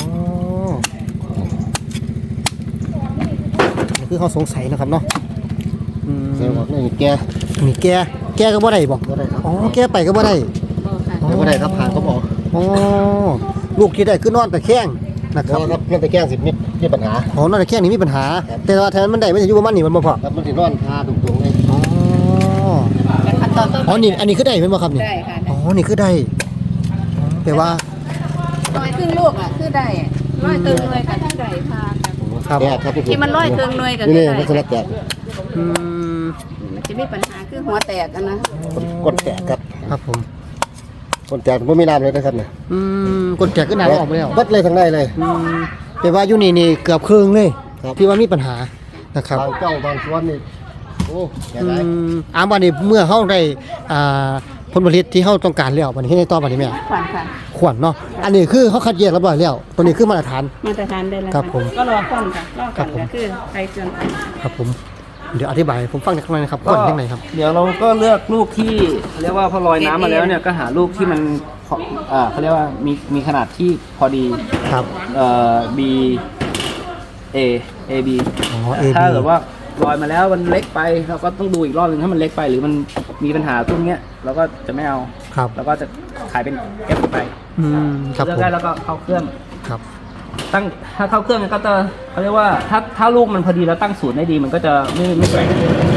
Speaker 1: นี่คือเขาสงสัยนะครับเนาะอืม
Speaker 4: เซลล์บอกนี่แก
Speaker 1: นี่แกแกก็บ่ได้บ่
Speaker 4: บ่ได้ครับ
Speaker 1: อ๋อแกไปก็บ่ได้
Speaker 2: บ่ค่ะ
Speaker 1: อ๋อ
Speaker 4: แต่บ่ได้ครับผ่านเขาบอก
Speaker 1: อ๋อลูกที่ได้คือนอนตะแคงนะ
Speaker 4: ค
Speaker 1: ครั
Speaker 4: รับบ ครับนั่นตะแกรงสิมีมีปัญหา
Speaker 1: อ๋อนั่นแค่นี้มีปัญหา แต่ว่าแทนมันได้ไม่ใช่อยู่ประมาณนี้มันบ่พอ
Speaker 4: ครับมันสินอนทาตรงๆเลย
Speaker 1: อ๋อ
Speaker 2: ขั้นตอนต้น
Speaker 1: อ๋อนี่อันนี้คือได้เป็นบ่ครับนี่
Speaker 2: ได้ค่ะ
Speaker 1: อ๋อนี่คือได้แปลว่า
Speaker 2: ร้อยครึ่งลูกอ่ะคือได้ร้อยตึงเลยกับที่ได้ค่ะ
Speaker 1: ครับ
Speaker 4: แตกครับ
Speaker 2: ที่มันร้อยเครื่องหน่วยก็
Speaker 4: นี่
Speaker 2: คือ
Speaker 4: นี่
Speaker 2: ได้
Speaker 4: ลักษณะแตก
Speaker 1: อืม
Speaker 2: มันจะมีปัญหาคือหัวแตกอะนะ
Speaker 4: ก้นแตกครับ
Speaker 1: ครับผม
Speaker 4: ก้นแตกบ่มีน้ำเลยนะครับเนี่ย
Speaker 1: อืมกดแจกขึ้นหน้าออกไปแล้ว
Speaker 4: เบิดเลยทั้งในเลย
Speaker 1: อืมแปลว่าอยู่นี่นี่เกือบครึ่งเลย
Speaker 4: ครับ
Speaker 1: ที่ว่ามีปัญหานะครับ
Speaker 4: บางเจ้าบางส่วนนี่โอ้แก่
Speaker 1: อื
Speaker 4: ได้
Speaker 1: มอาวันนี้เมื่อเฮาได้อ่าผลผลิตที่เฮาต้องการแล้ววันนี้ให้ได้ต่อบัดนี้แม่
Speaker 2: ขวัญค่ะ
Speaker 1: ขวัญเนาะอันนี้คือเขาคัดแยกเรียบร้อยแล้วตัวนี้คือมาตรฐาน
Speaker 2: มาตรฐานได้แล้ว
Speaker 1: ครับผม
Speaker 2: ก็รอก่อนค่ะรอ
Speaker 1: ครั
Speaker 2: ก่อบ น
Speaker 1: ผม
Speaker 2: ก็คือใครเกินไป
Speaker 1: ครับผมเดี๋ยวอธิบายให้ผมฟังหน่อยนะครับก่อนยังไงครับ
Speaker 3: เดี๋ยวเราก็เลือกลูกที่เขาเรียกว่าพอลอยน้ำมาแล้วเนี่ยก็หาลูกที่มันพออ่าเขาเรียกว่ามีมีขนาดที่พอดี
Speaker 1: ครับ
Speaker 3: เอ่อ B A A B
Speaker 1: อ๋อ A B
Speaker 3: ถ้าเกิดว่าลอยมาแล้วมันเล็กไปเราก็ต้องดูอีกรอบหนึงถ้ามันเล็กไปหรือมันมีปัญหาพวกเนี้ยเราก็จะไม่เอา
Speaker 1: ครับ
Speaker 3: แล้วก็จะขายเป็น F ไป
Speaker 1: อืมครับ
Speaker 3: เลือ
Speaker 1: ผ
Speaker 3: ก
Speaker 1: ม
Speaker 3: ได้แล้วก็เข้าเครื่อง
Speaker 1: ครับ
Speaker 3: ตั้งถ้าเข้าเครื่องเนี่ยก็จะเขาเรียกว่าถ้าถ้าลูกมันพอดีแล้วตั้งศูนย์ได้ดีมันก็จะไม่ไม่แกว่ง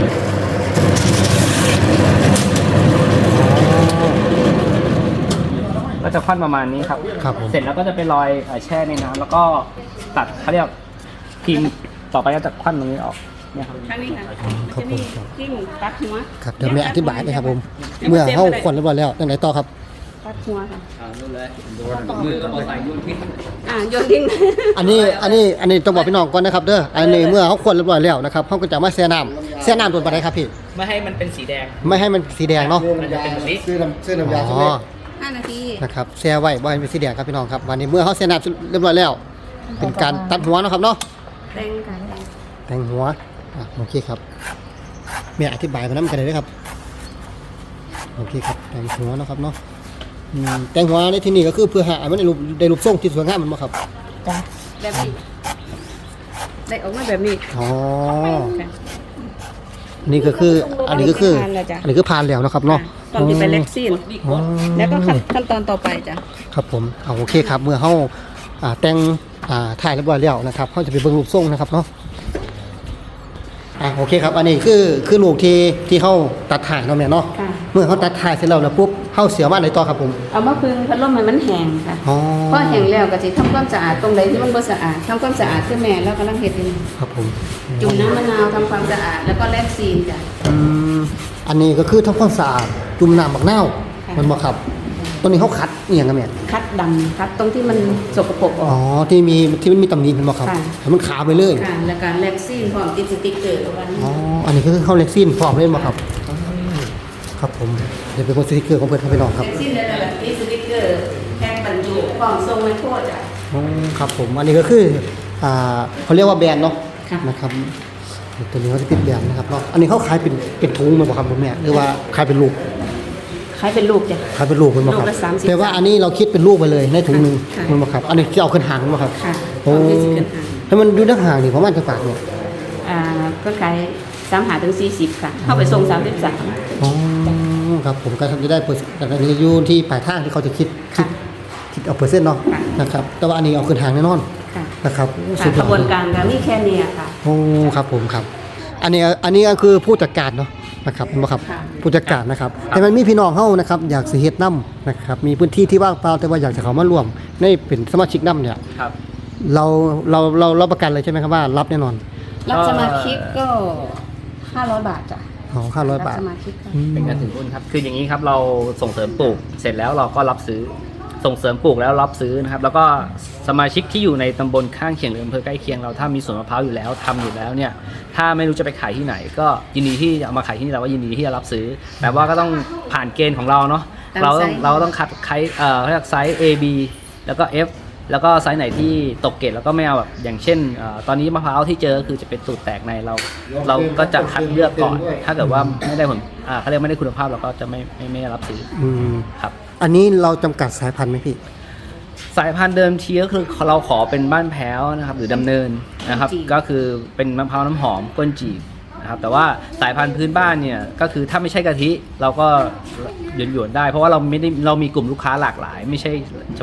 Speaker 3: ก็จะควันประมาณนี้ครับ
Speaker 1: ครับผม
Speaker 3: เสร็จแล้วก็จะไปลอยเอ่อแช่ในน้ำแล้วก็ตัดเขาเรียกพิมพ์ต่อไปก็จะควันตรงนี้ออกเนี่ยครับ
Speaker 2: ข้างนี้ค่ะ
Speaker 1: ครับ
Speaker 2: จะ
Speaker 1: ผ
Speaker 2: มี
Speaker 1: มครับ
Speaker 2: จิ้มตัดหัว
Speaker 1: ครับเดี๋ยวแม่อธิบายนะครับผมเมื่อเฮาขวัญเรียบร้อยแล้วยังไงต่อครับ
Speaker 2: ตัดหัวค่ะ
Speaker 3: อ่านู่นเลยมือก็เอาใส่ยุ่นทิ้ง
Speaker 2: อ่าโยนทิ้ง
Speaker 1: อันนี้อันนี้อันนี้ต้องบอกพี่น้องก่อนนะครับเด้ออันนี้เมื่อเขาขวัญเรียบร้อยแล้วนะครับเขาก็จะมาแช่น้ำแช่น้ำตัวปานใดครับพี่
Speaker 3: ไม่ให้มันเป็นสีแดง
Speaker 1: ไม่ให้มันสีแดงเนาะ
Speaker 4: ซื้อน้ำยาซื้อน้ำซื้อน้ำยา
Speaker 1: อ๋
Speaker 4: สำเร็
Speaker 1: อ
Speaker 4: จ
Speaker 2: ห้านาที
Speaker 1: นะครับแช่ไว้บ่ให้เป็นสีแดงครับพี่น้องครับวันนี้เมื่อเขาแช่น้ำเรียบร้อยแล้ว เป็นการตัดหัวเนาะครับเนาะ
Speaker 2: แตงค่ะแตง
Speaker 1: แต่งหัวอ่ะโอเคครับแม่อธิบายมาน้ำกันเลยนะครับโอเคครับแต่งหัวเนาะครับเนาะอืมแต่งหัวในที่นี้ก็คือเพื่อหาให้มันได้รูปได้รูปทรงที่สวยงามแมันบ่ครับ
Speaker 2: จ้ะแบบนี้ได้ออกมาแบบนี้
Speaker 1: อ๋อ
Speaker 2: ค่ะ
Speaker 1: นี่ก็คืออันนี้ก็คือ
Speaker 2: ผ่านแล้วจ้ะ
Speaker 1: อันนี้คือผ่านแล้วเนาะครับเนาะ
Speaker 2: ตอนที่ไปเล็กซีน
Speaker 1: อ๋อ
Speaker 2: แล้วก็ขั้นขั้นตอนต่อไปจ้ะ
Speaker 1: ครับผมเอาโอเคครับเมื่อเฮาอ่าแต่งอ่าถ่ายเรียบร้อยแล้วนะครับเฮาจะไปเบิ่งรูปทรงนะครับเนาะอ่าโอเคครับอันนี้คือคือลูกที่ที่เฮาตัดถ่ายเนาะแม่เนาะ
Speaker 2: ค่ะ
Speaker 1: เมื่อเฮาตัดถ่ายเสร็จแล้วแล้วปุ๊บเฮาเสียมาไหนต่อครับผม
Speaker 2: เอามาพึ่งพัดลมให้มันแห้งค่ะ
Speaker 1: อ๋อ
Speaker 2: พอแห้งแล้วก็สิทำความสะอาดตรงไหนที่มันบ่สะอาดทำความสะอาดคือแม่แล้วกำลังเฮ็ดอยู่นี่
Speaker 1: ครับผม
Speaker 2: จุ่มน้ำมะนาวทำความสะอาดแล้วก็แลกซีนจ้ะ
Speaker 1: อืมอันนี้ก็คือทำความสะอาดจุ่มน้ำบักนาว
Speaker 2: ค่ะ
Speaker 1: มันบ่ครับตัวนี้เฮาคัดอีหยังกันแม่
Speaker 2: คัดดำคัดตรงที่มันสกปรกอ
Speaker 1: อ๋
Speaker 2: อ
Speaker 1: อก ที่มีที่มันมีตำหนิมันบ่ครับ
Speaker 2: ค่ะ
Speaker 1: ให้มันขาวไปเลย
Speaker 2: ค่ะแล้วการแลกซีนพร้อมติดสติ๊กเกอร์เอาไว้
Speaker 1: อ๋ออันนี้ก็คือเข้าเล็กซินพร้อมเล่นบ่ครับครับผมเดี๋ยวเป็นคนสติกเกอร์ของเพื่อนครับพี่น้องครับ
Speaker 2: แลกซีนได้แบบติดสติ๊กเกอร์แพ็คบรรจุพร้อมส่งไมโครจ้ะ
Speaker 1: อ๋อครับผมอันนี้ก็คืออ่าเขาเรียกว่าแบรนด์เนาะ
Speaker 2: ค่ะ
Speaker 1: นะครับตัวนี้เขาจะเป็นแบรนด์นะครับเนาะอันนี้เขาขายเป็นเป็นถุงมันบ่ครับคุณแม่หรือว่าขายเป็นลูก
Speaker 2: ขายเป็นลูกจ้ะ
Speaker 1: ขายเป็นลูกมันบ่ครับ
Speaker 2: ลูกละสามสิบ
Speaker 1: แต่ว่าอันนี้เราคิดเป็นลูกไปเลยในถุงหนึง
Speaker 2: ค่ะ
Speaker 1: มันบ่ครับอันนี้จะเอาขึ้นหางมันบ่ครับ
Speaker 2: ค่ะ
Speaker 1: โอ้
Speaker 2: พร้อมที่สิขึ้นหาง
Speaker 1: ให้มันอยู่ในหางนี่ประมาณจะปากเนี่ย
Speaker 2: อ่าก็ขายสามหาถึงสี่สิบค่ะ เข้าไปส่งสามสิบสาม
Speaker 1: อ๋อครับผมก็จะได้เปอร์เซ็นต์แต่อันนี้อยู่ที่ปลายทางที่เขาจะคิดคิดคิดเอาเปอร์เซ็นต์เนาะนะครับแต่ว่าอันนี้เอาขึ้นหางแน่นอน
Speaker 2: ค่ะ
Speaker 1: นะครับ
Speaker 2: ค่ะ
Speaker 1: สุดย
Speaker 2: ก
Speaker 1: อ
Speaker 2: ระ
Speaker 1: ด
Speaker 2: บวน
Speaker 1: เลย
Speaker 2: การก็มีแค่เนี้ค่ะ
Speaker 1: โอ้ครับผมครับ อันนี้อันนี้ก็คือผู้จัดการเนาะนะครับเห็นบ่ครับ
Speaker 2: ค่ะ
Speaker 1: ผู้จัดการนะครับแต่มันมีพี่น้องเฮานะครับอยากสิเฮ็ดน้ำนะครับมีพื้นที่ที่ว่างเปล่าแต่ว่าอยากจะเข้ามาร่วมในเป็นสมาชิกน้ำเนี่ย
Speaker 3: ครับ
Speaker 1: เราเราเรารับประกันเลยใช่ไหมครับว่ารับแน่นอน
Speaker 2: รับสมาชิกก็ห้าร้อยบาทจ้ะ
Speaker 1: อ๋อห้าร้อยบาท
Speaker 2: สมาชิกค่ะ
Speaker 1: อืม
Speaker 3: เป็นการถือหุ้นครับ คืออย่างนี้ครับเราส่งเสริมปลูก เสร็จแล้วเราก็รับซื้อ ส่งเสริมปลูกแล้วรับซื้อนะครับ แล้วก็สมาชิกที่อยู่ในตำบลข้างเคียงหรืออำเภอใกล้เคียงเราถ้ามีสวนมะพร้าวอยู่แล้วทำอยู่แล้วเนี่ย ถ้าไม่รู้จะไปขายที่ไหน ก็ยินดีที่จะเอามาขายที่นี่เราก็ยินดีที่จะรับซื้อ แต่ว่าก็ต้องผ่านเกณฑ์ของเราเนาะ เราต้องเราต้องคัดไซส์เอ่อเขาเรียกไซส์ A B แล้วก็ F แล้วก็ไซส์ไหนที่ตกเกรดแล้วก็ไม่เอาแบบอย่างเช่นเอ่อตอนนี้มะพร้าวที่เจอคือจะเป็นสูตรแตกในเรา เราก็จะคัดเลือกก่อน ถ้าเกิดว่าไม่ได้ผลอ่าเขาเรียกไม่ได้คุณภาพเราก็จะไม่ไม่ไม่รับซื้อ
Speaker 1: อืม
Speaker 3: ครับ
Speaker 1: อันนี้เราจำกัดสายพันธุ์ไหมพี่
Speaker 3: สายพันธุ์เดิมทีก็คือเราขอเป็นบ้านแพ้วนะครับหรือดำเนินนะครับ
Speaker 2: จีบ
Speaker 3: ก็คือเป็นมะพร้าวน้ำหอมก้นจีบนะครับแต่ว่าสายพันธุ์พื้นบ้านเนี่ยก็คือถ้าไม่ใช่กะทิเราก็หยวนๆได้ เพราะว่าเราไม่ได้เรามีกลุ่มลูกค้าหลากหลาย ไม่ใช่เฉพาะ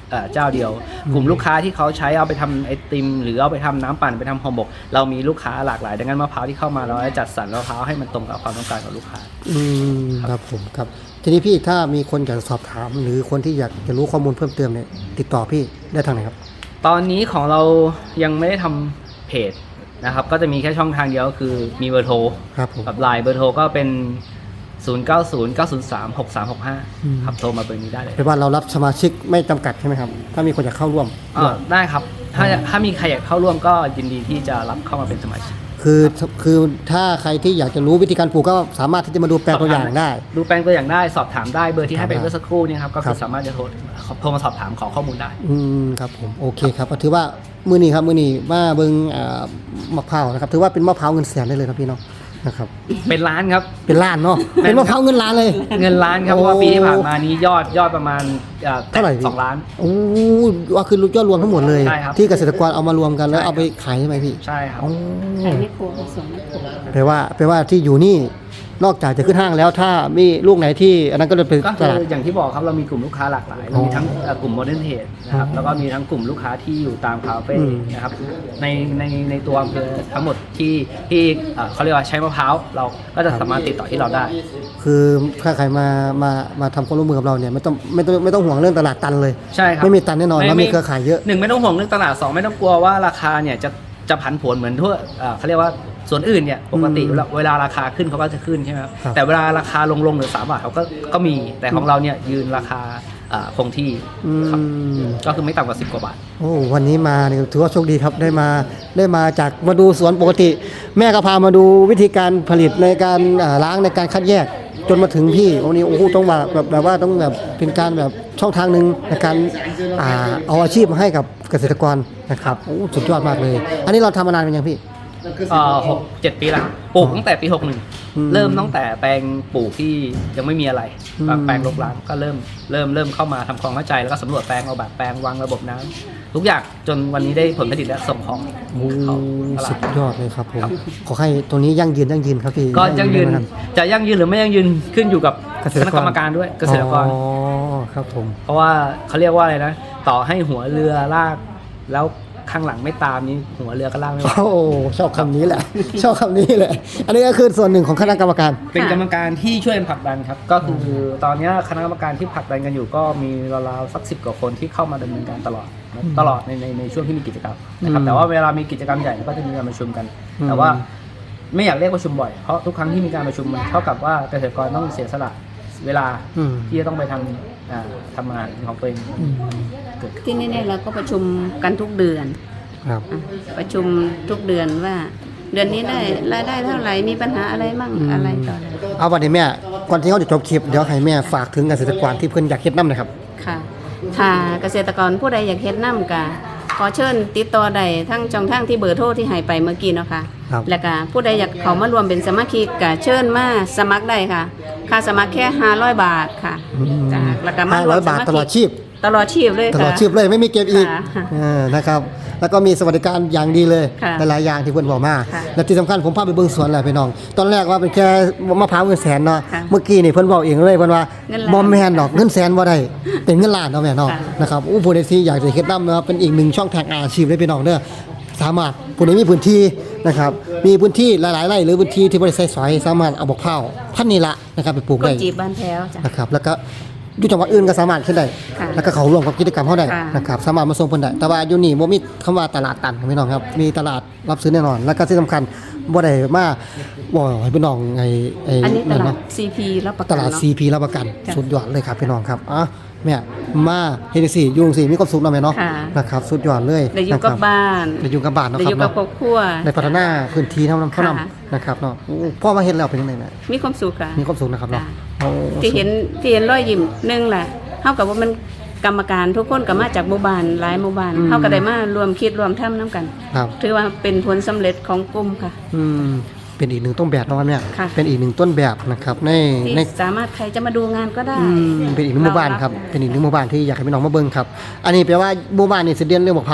Speaker 3: เอ่อเจ้าเดียว กลุ่มลูกค้าที่เขาใช้เอาไปทำไอติมหรือเอาไปทำน้ำปั่นไปทำห่อหมกเรามีลูกค้าหลากหลายดังนั้นมะพร้าวที่เข้ามาเราจะจัดสรรมะพร้าวให้มันตรงกับความต้องการของลูกค้า
Speaker 1: อืมครับผมครับทีนี้พี่ถ้ามีคนอยากสอบถามหรือคนที่อยากจะรู้ข้อมูลเพิ่มเติมเนี่ยติดต่อพี่ได้ทางไหนครับ
Speaker 3: ตอนนี้ของเรายังไม่ได้ทำเพจนะครับก็จะมีแค่ช่องทางเดียวก็คือมีเบอร์โทร
Speaker 1: ครับผม
Speaker 3: กับไลน์เบอร์โทรก็เป็น ศูนย์ เก้า ศูนย์ เก้า ศูนย์ สาม หก สาม หก ห้า
Speaker 1: อืม
Speaker 3: ครับโทรมาเบอร์นี้ได้เลย
Speaker 1: แปลว่าเรารับสมาชิกไม่จำกัดใช่ไหมครับถ้ามีคนอยากเข้าร่วม
Speaker 3: อ่าได้ครับถ้าถ้ามีใครอยากเข้าร่วมก็ยินดีที่จะรับเข้ามาเป็นสมาชิก
Speaker 1: คือคือถ้าใครที่อยากจะรู้วิธีการปลูกก็สามารถที่จะมาดูแปลงตัวอย่างได้
Speaker 3: ดูแปลงตัวอย่างได้สอบถามได้เบอร์ที่ให้ไป
Speaker 1: ครับ
Speaker 3: เมื่อสักครู่เนี่ยครับก็
Speaker 1: ครั
Speaker 3: คือบ สามารถจะโทรโทรมาสอบถามขอข้อมูลได้
Speaker 1: อืมครับผมโอเคครับก็ถือว่ามื้อนี้ครับมื้อนี้มาเบิ่งอ่ามะพร้าวนะครับถือว่าเป็นมะพร้าวเงินแสนได้เลยครับพี่น้องนะครับ
Speaker 3: เป็นล้านครับ
Speaker 1: เป็นล้านเนาะเป็นมะพร้าวเงินล้านเลย
Speaker 3: เงินล้านครับเพ
Speaker 1: โอ้
Speaker 3: ราะว่าปีที่ผ่านมานี้ยอดยอดประมาณอ่อ
Speaker 1: เท่าไหร่พี่
Speaker 3: สองล้าน
Speaker 1: โอ้ว่าคือยอดรวมทั้งหมดเลย
Speaker 3: ใช่ครับ
Speaker 1: ที่เกษตรกรเอามารวมกันแล้ว
Speaker 3: ใช่
Speaker 1: เอาไปขายใช่ไหมพี่
Speaker 3: ใช่ครับ
Speaker 1: อ๋อ
Speaker 2: ขายไม่โครผสมไม่โคร
Speaker 1: แปลว่าแปลว่าที่อยู่นี่นอกจากจะขึ้นห้างแล้วถ้ามีลูกไหนที่อันนั้นก็จะเป็น
Speaker 3: ก็
Speaker 1: ต
Speaker 3: คือ
Speaker 1: ลาด
Speaker 3: อย่างที่บอกครับเรามีกลุ่มลูกค้าหลากหลายเรามีทั้งเอ่อกลุ่มโมเดิร์นเทรดนะครับ
Speaker 1: อ๋อ
Speaker 3: แล้วก็มีทั้งกลุ่มลูกค้าที่อยู่ตามคาเฟ่
Speaker 1: อืม
Speaker 3: นะครับในในในตัวอำเภอทั้งหมดที่ที่เอ่อเขาเรียกว่าใช้มะพร้าวเราก็จะสามารถติดต่อที่เราได้
Speaker 1: คือถ้าใครมามามาทำความร่วมมือกับเราเนี่ยไม่ต้องไม่ต้องไม่ต้องห่วงเรื่องตลาดตันเลย
Speaker 3: ใช่ครับ
Speaker 1: ไม่มีตันแน่นอนเรามีเครือข่ายเยอะ
Speaker 3: หนึ่งไม่ต้องห่วงเรื่องตลาดสองไม่ต้องกลัวว่าราคาเนี่ยจะจะผันผวนเหมือนทั่วเอ่อเขาเรียกว่าส่วนอื่นเนี่ยปกติ
Speaker 1: อืม
Speaker 3: เวลาเวลาราคาขึ้นเขาก็จะขึ้นใช่ไหมครับ
Speaker 1: ครับ
Speaker 3: แต่เวลาราคาลงลงเหลือสามบาทเขาก็ก็มีแต่ของเราเนี่ยยืนราคาเอ่อคงที่
Speaker 1: อื
Speaker 3: ครับ
Speaker 1: ม
Speaker 3: ก็คือไม่ต่ำกว่าสิบกว่าบาท
Speaker 1: โอ้วันนี้มาเนี่ยถือว่าโชคดีครับได้มาได้มาจากมาดูสวนปกติ แม่ก็พามาดูวิธีการผลิตในการอ่าล้างในการคัดแยก จนมาถึงพี่วันนี้โอ้โหต้องมาแบบแบบว่าต้องแบบเป็นการแบบช่องทางหนึ่งในการอ่าเอาอาชีพมาให้กับเกษตรกรนะครับโอ้สุดยอดมากเลย อันนี้เราทำมานานเป็นยังพี่
Speaker 3: เอ่อหกเจ็ดปีละปลูกตั้งแต่ปีหกหนึ่ง
Speaker 1: อืม
Speaker 3: เริ่มตั้งแต่แปลงปลูกที่ยังไม่มีอะไร
Speaker 1: อืม
Speaker 3: แปลงรกร้างก็เริ่มเริ่มเริ่มเข้ามาทำความเข้าใจแล้วก็สำรวจแปลงเอาแบบแปลงวางระบบน้ำทุกอย่างจนวันนี้ได้ผลผลิตและส่งของ
Speaker 1: โอ้
Speaker 3: เข้าตลา
Speaker 1: สุ
Speaker 3: ด
Speaker 1: ดยอดเลยครับผม
Speaker 3: ครับ
Speaker 1: ขอให้ตัวนี้ยั่งยืนยั่งยืนครับพี่
Speaker 3: ก็ยั่งยืน
Speaker 1: นะครับ
Speaker 3: จะยั่งยืนหรือไม่ยั่งยืนขึ้นอยู่กับ
Speaker 1: เกษ
Speaker 3: ค
Speaker 1: ตรกร
Speaker 3: ณะกรรมการด้วยเกษตรกร
Speaker 1: อ๋อครับผม
Speaker 3: เพราะว่าเขาเรียกว่าอะไรนะต่อให้หัวเรือลากแล้วข้างหลังไม่ตามนี้หัวเรือก็ลากไม่ไหว
Speaker 1: โอ้ชอบคำนี้แหละ ชอบคำนี้แหละ อันนี้ก็คือส่วนหนึ่งของคณะกรรมการ
Speaker 3: เป็นกรรมการที่ช่วยกันผลักดันครับ ก็คือตอนนี้คณะกรรมการที่ผลักดันกันอยู่ก็มีราวๆสักสิบกว่าคนที่เข้ามาดำเนินการตลอดนะ
Speaker 1: อืม
Speaker 3: ตลอดในในในช่วงที่มีกิจกรรมนะครับ
Speaker 1: อืม
Speaker 3: แต่ว่าเวลามีกิจกรรมใหญ่ก็จะมีการประชุมกัน
Speaker 1: อืม
Speaker 3: แต่ว่าไม่อยากเรียกประชุมบ่อยเพราะทุกครั้งที่มีการประชุมมันเท่ากับว่าเกษตรกรต้องเสียสละเวลา
Speaker 1: อืม
Speaker 3: ที่จะต้องไปทำอ่าทำงานของตัวเอง
Speaker 1: อืม
Speaker 3: เกิดขึ้น
Speaker 2: ที่นี่เนี่ยเราก็ประชุมกันทุกเดือน
Speaker 1: ครับ
Speaker 2: อ่ะประชุมทุกเดือนว่า เดือนนี้ได้รายได้เท่าไหร่มีปัญหาอะไรมั่ง
Speaker 1: อืม
Speaker 2: อะไรต่ออะไร
Speaker 1: เอาวันนี้แม่ ก่อนที่เขาจะจบคลิป เดี๋ยวให้แม่ฝากถึงเกษตรกรที่เพิ่นอยากเฮ็ดน้ำหนะครับ
Speaker 2: ค่ะถ้าเกษตรกรผู้ใดอยากเฮ็ดน้ำกะขอเชิญติดต่อได้ทั้งช่องทางที่เบอร์โทรที่ให้ไปเมื่อกี้เนาะค่ะ
Speaker 1: ครับ
Speaker 2: แล้วก็ผู้ใดอยากเข้ามารวมเป็นสมาชิกก็เชิญมาสมัครได้ค่ะ ค่าสมัครแค่ห้าร้อยบาทค่ะ
Speaker 1: อืม
Speaker 2: จ้ะแล้วก็มา
Speaker 1: ห้าร
Speaker 2: ว
Speaker 1: ร้อ
Speaker 2: ม
Speaker 1: ย
Speaker 2: ส
Speaker 1: บาท
Speaker 2: มา
Speaker 1: ตลอด
Speaker 2: ชิ
Speaker 1: ชี
Speaker 2: ก
Speaker 1: พ
Speaker 2: ตลอดชีพเลย
Speaker 1: ต
Speaker 2: ค่ะ
Speaker 1: ลอดชีพเลยไม่มีเก็บอีก
Speaker 2: ค่ะ
Speaker 1: เออนะครับ แล้วก็มีสวัสดิการอย่างดีเลย
Speaker 2: ค่ะ
Speaker 1: หลายๆอย่างที่เพิ่นบอกมา
Speaker 2: ค่ะ
Speaker 1: และที่สำคัญผมพาไปเบิ่งสวนแหละพี่น้อง ตอนแรกว่าเป็นแค่มะพร้าวเงินแสนเนาะ
Speaker 2: ค่ะ
Speaker 1: เมื่อกี้นี่เพิ่นบอกเองเลยเพิ่นว่า
Speaker 2: เงินล้าน
Speaker 1: บ่แม่นดอกเงินแสนบ่ได้เป็นเงินล้านเนาะแม่เนาะ
Speaker 2: ค่ะ
Speaker 1: นะครับอู้ผู้ใดที่อยากจะเฮ็ดน้ำนะครับเป็นอีกหนึ่งช่องทางอาชีพเลยพี่น้องเด้อสามารถผู้ใดมีพื้นที่นะครับมีพื้นที่หลายๆไร่หรือพื้นที่ที่บ่ได้ใช้สอยสามารถเอาบักพร้าวพันธุ์นี้ละนะครับไปปลูก
Speaker 2: ก
Speaker 1: ได้
Speaker 2: ดจีบบ้านแพ้วจ้ะ
Speaker 1: นะครับแล้วก็อยู่จังหวัดอื่นก็สามารถขึ้นได้
Speaker 2: ค่ะ
Speaker 1: แล้วก็เขาร่วมกับกิจกรรมเขาได้
Speaker 2: ค่ะ
Speaker 1: นะครับสามารถมาส่งเพิ่นได้แต่ว่าอยู่นี่บ่มีคำว่าตลาดตันครับพี่น้องครับมีตลาดรับซื้อแน่นอน แล้วก็ที่สำคัญบ่ได้มาบ่ให้พี่น้องไอ้ไอ้
Speaker 2: อันนี้ต
Speaker 1: นั่น
Speaker 2: ลาด
Speaker 1: เนาะ
Speaker 2: ซี พี รับประ
Speaker 1: ต
Speaker 2: กัน
Speaker 1: ลาด
Speaker 2: เนาะ
Speaker 1: ซี พี รับประกัน
Speaker 2: จ้ะ
Speaker 1: สุดยอดเลยครับพี่น้องครับอ่ะแม่มาเฮ็ดจังซี่อยู่จังซี่มีความสุขเนาะแม่เนาะ
Speaker 2: ค่ะ
Speaker 1: นะครับสุดยอดเลย
Speaker 2: ได้อยู่กับ
Speaker 1: นะครั
Speaker 2: บ้าน
Speaker 1: ได้อยู่กับบ้านเนาะ
Speaker 2: ได้
Speaker 1: ค
Speaker 2: อ
Speaker 1: รับ
Speaker 2: ยู่กับ
Speaker 1: เนาะ
Speaker 2: ครอบครัว
Speaker 1: ได้พัฒนาพื้นที่เท่านั้นเท่านั้น
Speaker 2: ค่ะ
Speaker 1: นะครับเนาะโอ้พ่อมาเฮ็ดแล้วเป็นจังได๋แม่
Speaker 2: มีความสุขค่ะ
Speaker 1: มีความสุขนะครับเนาะ
Speaker 2: ค่ะ
Speaker 1: โอ้
Speaker 2: ที่เห็นที่เห็นรอยยิ้มหนึ่งแหละเท่ากับว่ามันกรรมการทุกคนก็มาจากหมู่บ้านหลายหมู่บ้านเท่าก็ได้มารวมคิดรวมทำน้ำกัน
Speaker 1: ครับ
Speaker 2: ถือว่าเป็นผลสำเร็จของกลุ่มค่ะ
Speaker 1: อืมเป็นอีกหนึ่งต้นแบบนะครับเนี่ย
Speaker 2: ค่ะ
Speaker 1: เป็นอีกหนึ่งต้นแบบนะครับใน
Speaker 2: ที่
Speaker 1: ใน
Speaker 2: สามารถใครจะมาดูงานก็ได้
Speaker 1: อืมเป็นอีกหนึ่งหมู่บ้านครับ เป็นอีกหนึ่งหมู่บ้านที่อยากให้พี่น้องมาเบิ่งครับ อันนี้แปลว่าหมู่บ้านนี่สิเด่นเรื่องบักเผาวเลย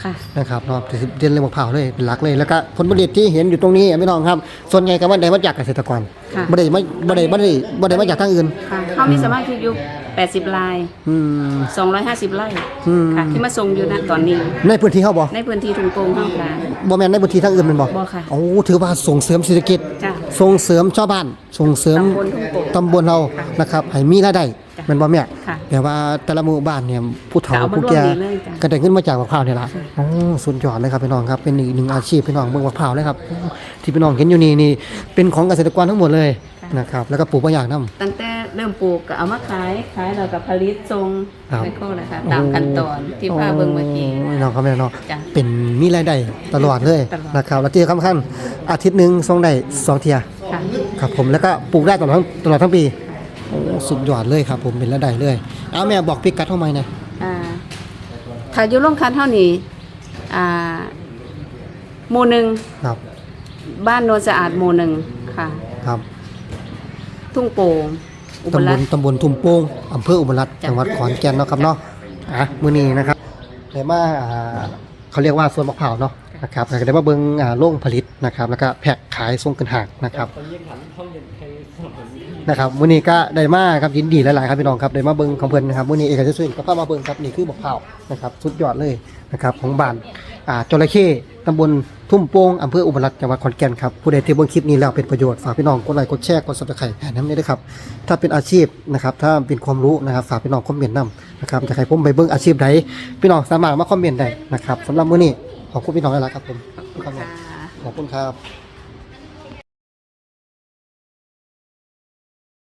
Speaker 2: ค่ะ
Speaker 1: นะครับเนาะที่สิเด่นเรื่องมะพร้าวเลยเป็นหลักเลยแล้วก็ผลผลิตที่เห็นอยู่ตรงนี้พี่น้องครับส่วนใหญ่ก็ว่าได้มาจากเกษตรกร
Speaker 2: ค่ะ
Speaker 1: บ่ได้มาบ่ได้บ่ได้บ่ได้มาจากทางอื่น
Speaker 2: ค่ะเขามีสมาชิกอยู่แปดสิบราย
Speaker 1: อืม
Speaker 2: สองร้อยห้าสิบไร่
Speaker 1: อืม
Speaker 2: ค่ะที่มาส่งอยู่ณตอนนี้
Speaker 1: ในพื้นที่เฮาบ่
Speaker 2: ในพื้นที่ทุ่งโป่งเฮาค่ะ
Speaker 1: บ่แม่นในพื้นที่ทางอื่นแม่นบ่
Speaker 2: บ่ค่ะ
Speaker 1: โอ้ถือว่าส่งเสริมเศรษฐกิจ
Speaker 2: จ้ะ
Speaker 1: ส่งเสริมชาวบ้านส่งเสริม
Speaker 2: ตำบลทุ่งโป่ง
Speaker 1: ตำบลเรานะครับให้มีรายได้
Speaker 2: จ้ะ
Speaker 1: แม่นบ่แม่
Speaker 2: ค่ะ
Speaker 1: แต่ว่าแต่ละหมู่บ้านเนี่ยผู้เฒ่า
Speaker 2: ก็เอามา
Speaker 1: ผู้แก่
Speaker 2: ร่วมดีเลยจ้ะ
Speaker 1: ก็ได้เงินมาจากมะพร้าวนี่ล่ะโอ้สุดยอดเลยครับพี่น้องครับเป็นอีกหนึ่งอาชีพพี่น้องเมืองมะพร้าวเลยครับที่พี่น้องเห็นอยู่นี่นี่เป็นของเกษตรกรทั้งหมดเลยนะครับแล้วก็ปลูกบางอย่างนำ
Speaker 2: ตั้งแต่เริ่มปลูกก็เอามาขายขายแล้วก็ผลิตส่ง
Speaker 1: ครับ
Speaker 2: ไปโคเลยค่ะตามขั้นตอนที่พาเบิ่งเมื่อกี้
Speaker 1: โน้องครับแม่น้อง
Speaker 2: จ้ะ
Speaker 1: เป็นมีรายได้ตลอดเลย
Speaker 2: ตลอด
Speaker 1: นะครับแล้วที่สำคัญอาทิตย์หนึงส่งได้สองเที่ย
Speaker 2: ค่ะ
Speaker 1: ครับผมแล้วก็ปลูกได้ตลอดทั้งตลอดทั้งปีโอ้สุดยอดเลยครับผมเป็นรายได้เลยเอาแม่บอกพิกัดเท่าไหร่นะ
Speaker 2: อ่าถ้าอยู่โรงคันเท่านี้อ่าหมู่หนึ่ง
Speaker 1: ครับ
Speaker 2: บ้านโนนสะอาดหมู่หนึ่งค่ะ
Speaker 1: ครับ
Speaker 2: ทุ่งโป่งอุบล
Speaker 1: ตำบ
Speaker 2: รั
Speaker 1: ล
Speaker 2: ตน์
Speaker 1: ตำบลทุ่มโป่งอำเภออุบลรัตน์
Speaker 2: จ้ะ
Speaker 1: จังหวัดขอนแก่นเนาะครับเนาะอ่ะมื้อนี้นะครับได้มาอ่าเขาเรียกว่าสวนมะพร้าวเนาะนะครับแล้วก็ได้มาเบิ่งอ่าโรงผลิตนะครับแล้วก็แพ็คขายส่งขึ้นห้างนะครับ นะครับมื้อนี้ก็ได้มาครับยินดีหลายๆครับพี่น้องครับได้มาเบิ่งของเพิ่นนะครับมื้อนี้เอกชัยสุรินทร์ก็พามาเบิ่งครับนี่คือบักพร้าวนะครับสุดยอดเลยนะครับของบ้านอ่าจระเข้ตำบลทุ่มโป่งอำเภออุบลรัตน์จังหวัดขอนแก่นครับผู้ใดที่เบิ่งคลิปนี้แล้วเป็นประโยชน์ฝากพี่น้องกดไลค์กดแชร์กด Subscribe ให้นำด้วยครับถ้าเป็นอาชีพนะครับถ้าเป็นความรู้นะครับฝากพี่น้องคอมเมนต์นำนะครับจะให้ผมไปเบิ่งอาชีพใดพี่น้องสามารถมาคอมเมนต์ได้นะครับสำหรับมื้อนี้ขอบคุณพี่น้องหลายๆครับผมขอบคุณครับ
Speaker 2: ค่ะ
Speaker 1: ขอบคุณครับ